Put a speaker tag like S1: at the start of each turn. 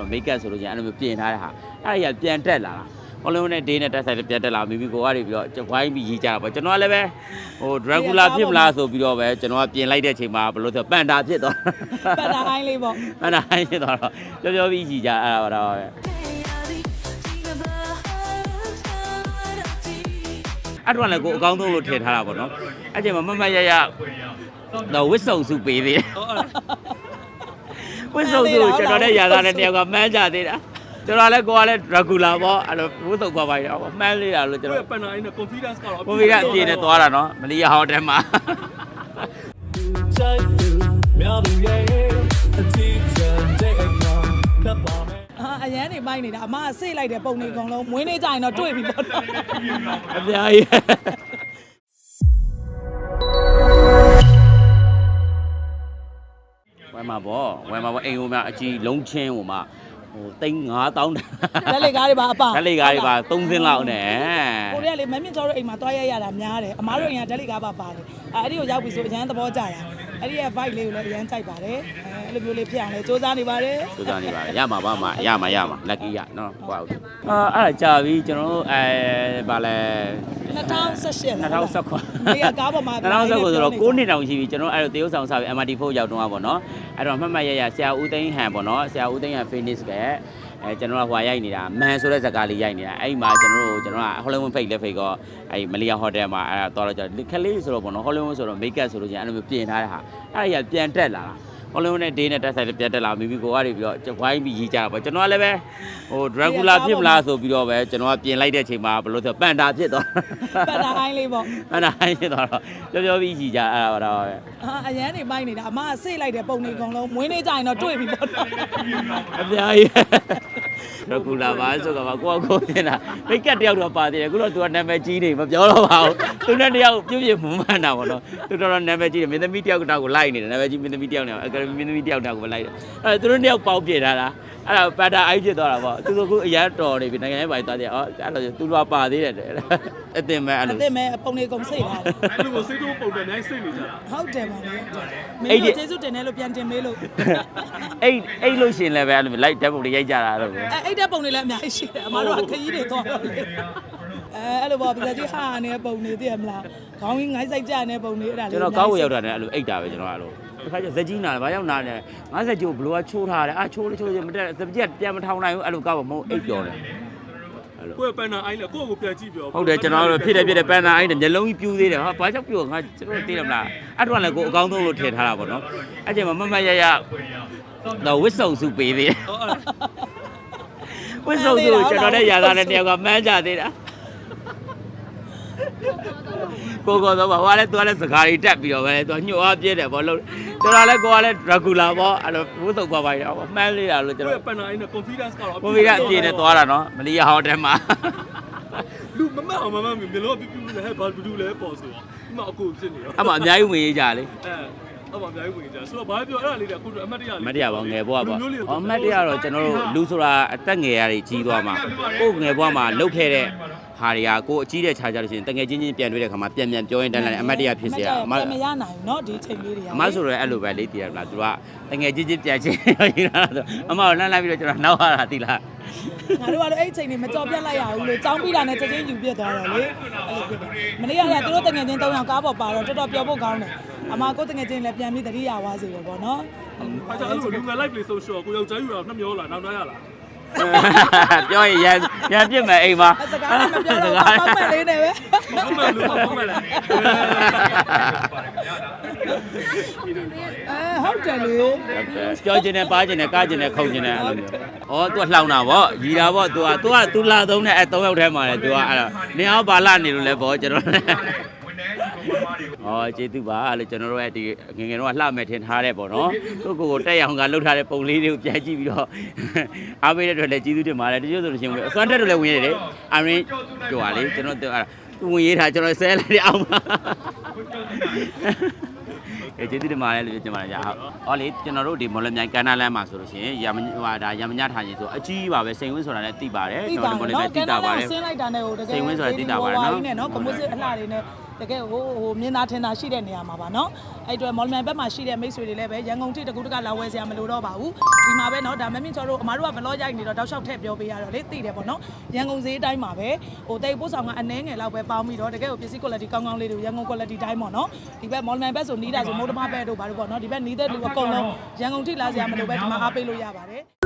S1: မိတ်ကပ်ဆိုလို့ချင်းအဲ့လိုမျိုးပြင်ထားတဲ့ဟာအဲ့ဒါကြီးပြန်တက်လာတာဟောလုံးနဲ့ဒေးနဲ့တက်ဆိုင်ပြန်တက်လာမိမိကိုကနေပြီးတော့ဝိုင်းပြီးရေးကြတာပေါ့ကျွန်တော်ကလည်းပဲဟိုဒရဂူလာဖြစ်မလားဆိုပြီးတော့ပဲကျွန်တော်ကပြင်လိုက်တဲ့အချိန်မှာဘယ်လိုဆိုပန်တာဖြစ်သွား
S2: ပန်တာဟိုင်းလေးပေါ့
S1: ပန်တာဟိုင်းဖြစ်သွားတော့ပြောပြီးရေးကြအဲ့ဒါပါတော့အဲ့တော့လည်းကိုအကောင်းဆုံးလို့ထည့်ထားတာပေါ့နော်အဲ့ချိန်မှာမမရရတော့ဝစ်စုံစုပေးသေးတယ်ဝစ်စုံစုကျွန်တော်နဲ့ရာသားနဲ့တယောက်ကမှန်းကြသေးတာကျွန်တော်လည်းကိုကလည်း regular ပေါ့အဲ့လိုဝစ်စုံပါပါရအောင်မှန်းလေးတာလို့ကျွန်တော်
S3: ပန်နာအင်းနဲ့ confidence ကတော့
S1: confidence အပြည့်နဲ့သွားတာနော်မလီယာဟိုတယ်မှာ
S2: အရန်နေပိုင်းနေတာအမဆေးလိုက်တဲ့ပုံတွေအကုန်လုံးမွေးနေကြရင်တော့တွေ့ပြီပေါ့နော်
S1: အများကြီးဝယ်မှာပေါ့အိမ်ဟိုမှာအကြီးလုံးချင်းဟိုမှာဟို3,500
S2: လက်လေကားတွေပါအပ
S1: လက်လေကားတွေပါ3စင်းလောက်နဲ့
S2: ကိုရီးယားလေမမြင့်ကျော်တို့အိမ်မှာတွားရရတာများတယ်အမားတို့အိမ်ကဓာတ်လေကားပါပါတယ်အဲ့ဒီကိုရောက်ပြီဆိုအရန်သဘောကျတာအဲ့ဒီရဲ့ vibe လေးကိုလည်းအရန်ကြိုက်ပါတယ်အဲ့လိုမျိုးလေးဖြစ်အောင်လည်းစူးစမ်းနေပါတယ်
S1: ရမှာပါမရမှာ lucky ရနော်ဟိုအဲ့ဒါကြာပြီကျွန်တော်တို့ဗာလဲ2019
S2: ဒီကကားပေါ်မှာ
S1: 2019ဆိုတော့9နှစ်တောင်ရှိပြီကျွန်တော်အဲ့လိုတရုတ်ဆောင်စားပြီး MRT4 ရောက်တော့ပါနော်အဲ့တော့မှတ်ရဆရာဦးသိန်းဟန်ပေါ့နော်ဆရာဦးသိန်းဟန် Phoenix ကကျွန်တော်ကဟိုရိုက်နေတာမန်ဆိုတဲ့ဇာတ်ကားလေးရိုက်နေတာအဲ့မှာကျွန်တော်ကဟောလီဝုဒ်ဖိတ်လက်ဖိတ်ကောအဲ့မလီယာဟိုတယ်မှာအဲ့တော့ကျခလေးဆိုတော့ပေါ့နော်ဟောလီဝုဒ်ဆိုတော့မိတ်ကပ်ဆိုလို့ချင်းအဲ့လိုမျိုးပြင်ထားတဲ့ဟာအဲ့ဒါကြီးပြန်တက်လာတာဟောလုံးနဲ့ဒေးနဲ့တက်ဆိုင်ပြန်တက်လာမိမိကိုကနေပြီးတော့ဝိုင်းပြီးရေးကြတာပေါ့ကျွန်တော်ကလည်းပဲဟိုဒရဂူလာဖြစ်မလားဆိုပြီးတော့ပဲကျွန်တော်ကပြင်လိုက်တဲ့အချိန်မှာဘယ်လိုဆိုပန်တာဖြစ်သွား
S2: ပန်တာဟိုင်းလေးပေါ့
S1: ပန်တာဟိုင်းဖြစ်သွားတော့ပြောပြီးရေးကြအဲ့ဒါပါတော့
S2: အရန်နေပိုင်းနေတာအမဆေးလိုက်တဲ့ပုံတွေအကုန်လုံးမွေးနေကြရင်တော့တွေ့ပြီပေါ့နော်
S1: အများကြီးဒရဂူလာပါဆိုတော့ကိုနေတာမိတ်ကတ်တယောက်တော့ပါသေးတယ်အခုတော့သူကနာမည်ကြီးနေမပြောတော့ပါဘူးသူနဲ့တယောက်ပြုတ်ပြမှုမှန်တာပေါ့နော်သူတော်နာမည်ကြီးတယ်မင်းသမီးတယောက်ကိုလိုက်နေတယ်နာမည်ကြီးမင်းသမီးတယောက်နဲ့အကယ်ဒမီမင်းသမီးတယောက်ကိုလိုက်တယ်အဲ့သူတို့တယောက်ပေါက်ပြထားတာအဲ့ဒါပတာအိုက်ဖြစ်သွားတာပေါ့သူတို့ကအရန်တော်နေပြီနိုင်ငံရေးပိုင်းသွားတယ်အဲ့လိုသူတို့ကပါသေးတယ်အတင်မဲ့အဲ့လို
S2: အတင်မဲ့ပုံတွေကုန်စိတ်လာတယ်
S3: အဲ့လိုကိုစိတ်တို့ပုံတွေအများကြီးစိတ်နေကြတာ
S2: ဟုတ်တယ်ပါလေမင်းတို့ကျေးဇူးတင်တယ်လို့ပြန်တင်မေးလို့
S1: အဲ့လို့ရှင်လည်းပဲအဲ့လိုလိုက်ဓာတ်ပုံတွေရိုက်ကြတာတော့
S2: အဲ့ဓာတ်ပုံတွေလည်းအများကြီးရှိတယ်အမတို့ကခရီးတွေသွားတော့အဲ့လိုပေါ့ပြဿနာကြီးဟာနေတဲ့ပုံတွေသိရမလားခေါင်းကြီးငိုင်းဆိုင်ကြနေတဲ့ပုံတွေအဲ့ဒါလေး
S1: ကျွန်တော်ကောက်ဝရောက်တာနဲ့အဲ့လိုအိတ်တာပဲကျွန်တော်အဲ့လိုတစ်ခါကျဇက်ကြီးနာတယ်ဘာရောက်နာတယ်50ကျိုးဘလို့ကချိုးထားတယ်ချိုးမတက်စပကြက်ပြန်မထောင်နိုင်ဘူးအဲ့လိုကောက်မဟုတ်အိတ်ပြောတယ်
S3: အဲ့လိုကိုယ်ပန်နာအိုင်းလေကိုယ့်ကိုပြန်ကြည့်ပြော
S1: ဟုတ်တယ်ကျွန်တော်တို့ဖြစ်တယ်ပန်နာအိုင်းတယ်မျက်လုံးကြီးပြူးသေးတယ်ဟာဘာကြောက်ပြူငါကျွန်တော်သိတယ်မလားအဲ့တော့လည်းကိုအကောင်းဆုံးလို့ထည့်ထားတာပေါ့နော်အဲ့ချိန်မှာမမရတော့ဝစ်စုံစုပေးသေးတယ်ဝစ်စုံစုကျွန်တော်နဲ့ရာသားနဲ့တယောက်ကမှန်းကြသေးတာကိုတော့ဘာလဲသူကလည်းစကားတွေတက်ပြီးတော့ပဲသူညှို့အားပြည့်တယ်ပေါ့လို့ကျွန်တော်လည်းကိုကလည်း regular ပေါ့အဲ့လိုဝှသုံးပါပါရအောင်မှန်းလေးတာလို့ကျွန်တော်
S3: ပန်နာအင်းနဲ့ confidence ကတော့
S1: အပြည့်နဲ့သွားတာနော်မလီယာဟိုတယ်မှာ
S3: လူမမအောင်မမျိုးလုံးပြပြလဲဟဲ့ဘာဘူးလဲပေါ့ဆိုတော့ဒီမှာအခုဖြစ်နေတော့
S1: အမှအများကြီးဝင်ရေးကြလေ
S3: အဲ့မှာအများကြီးဝင်ကြဆိုတော့ဘာပြောအဲ့ဒါလေးကအခုအမတ်တရလေး
S1: အမတ်တရပေါ့ငယ်ဘွားပေါ့အမတ်တရတော့ကျွန်တော်တို့လူဆိုတာအသက်ငယ်ရတွေကြီးသွားမှာကိုယ်ငယ်ဘွားမှာလှုပ်ခဲ့တဲ့ဟာတွေကကိုအကြီးတဲ့ခြားကြလို့ရှိရင်တငယ်ချင်းပြန်တွေ့တဲ့ခါမှာပြန်ပြောရင်တန်းလာတယ်အမတ်တရဖြစ်เสีย
S2: မရနိုင်ဘူးเนาะဒီချိန်လေးတွေက
S1: အမဆိုတော့အဲ့လိုပဲလေးတည်ရမလားသူကတငယ်ချင်းပြန်ချင်းရတာဆိုအမကိုလှမ်းလိုက်ပြီးတော့ကျွန်တော်နောက်ရတာသိလား
S2: ငါတို့ကတော့အဲ့ချိန်လေးမကြော်ပြတ်လိုက်ရဘူးလို့ចောင်းပြီးတာနဲ့ချက်ချင်းယူပြစ်သွားတယ်လေအဲ့လိုဖြစ်တယ်မနေ့ကသူတို့တငယ်ချင်း3ယောက်ကားပေါ်ပါတော့တော်တော်ပျော်ဖို့ကောင်းတယ်အမကိုတငယ်ချင်းလည်းပြန်ပြီးတတိယဝါစေတယ်ပေါ့เนาะ
S3: အားကြောင့်အဲ့လိုလူငယ် live play social ကိုယောက်ျားယူတာနှမျောလာနောက်သားရလား
S1: ပြောရင်ရန်ပြစ်မယ်အိမ်မှာ
S2: စကားမပြောတော့ပေါက်မဲ့လေးနဲ့ပဲ
S3: ဟုတ်မယ်လို့ဟုတ်မယ်လား
S2: ဟုတ်တယ်လေ
S1: ပြောချင်တယ်ပါချင်တယ်ကားချင်တယ်ခုန်ချင်တယ်အဲ့လိုမျိုးဩ तू လှောင်တာဗောရီတာဗော तू လာသုံးတဲ့အဲ့3ယောက်ထဲမှာလေ तू ကအဲ့တော့နင်အောင်ပါလာနေလို့လဲဗောကျွန်တော်ကျေးဇူးပါလို့ကျွန်တော်တို့ရဲ့ဒီငငယ်တော့လှမဲ့ထင်ထားတဲ့ပေါ့နော်ကိုကိုတက်ရောင်ကလှုပ်ထားတဲ့ပုံလေးတွေကိုပြန်ကြည့်ပြီးတော့အားပေးတဲ့အတွက်လည်းကျေးဇူးတင်ပါတယ်တချို့ဆိုလို့ရှိရင်အစွမ်းတက်တို့လည်းဝင်ရတယ်အရင်ကြွားလေကျွန်တော်သူဝင်ရေးထားကျွန်တော်ဆဲလိုက်တဲ့အောင်ပါကျေးဇူးတင်ပါတယ်လို့ပြောချင်ပါတယ်ကြာဟောလေကျွန်တော်တို့ဒီမော်လမြိုင်ကန်နာလမ်းမှာဆိုလို့ရှိရင်ရမညထားရင်ဆိုအကြီးပါပဲစိန်ဝင်းဆိုတာလည်းသိပါတယ်
S2: ကျွန်တော်ဒီမော်လမြိုင်သိတာပါတယ်ဆင်းလိုက်တာနဲ့ဟိုတကယ်
S1: စိန်ဝင်းဆိုတာသိတာပါတယ်နော်
S2: နော်ကမိုးစစ်အလှတွေနဲ့တကယ်ဟိုမြင်သာထင်သာရှိတဲ့နေရာမှာပါနော်အဲ့အတွက်မော်လမြိုင်ဘက်မှာရှိတဲ့မိတ်ဆွေတွေလည်းပဲရန်ကုန်ထိတကူတကလာဝယ်စရာမလိုတော့ပါဘူးဒီမှာပဲနော်ဒါမင်းချောတို့အမားတို့ကဘလော့ရိုက်နေတော့တောက်လျှောက်ထည့်ပြောပေးရတော့လေသိတယ်ပေါ့နော်ရန်ကုန်ဈေးတိုင်းမှာပဲဟိုတိတ်ပို့ဆောင်ကအနှဲငယ်လောက်ပဲပေါင်းပြီးတော့တကယ်ကိုပစ္စည်း quality ကောင်းကောင်းလေးတွေရန်ကုန် quality တိုင်းပေါ့နော်ဒီဘက်မော်လမြိုင်ဘက်ဆိုနီးတာဆိုမိုးတမဘက်တို့ဘာလို့ပေါ့နော်ဒီဘက်နီးတဲ့လူအကုန်လုံးရန်ကုန်ထိလာစရာမလိုပဲဒီမှာအားပေးလို့ရပါတယ်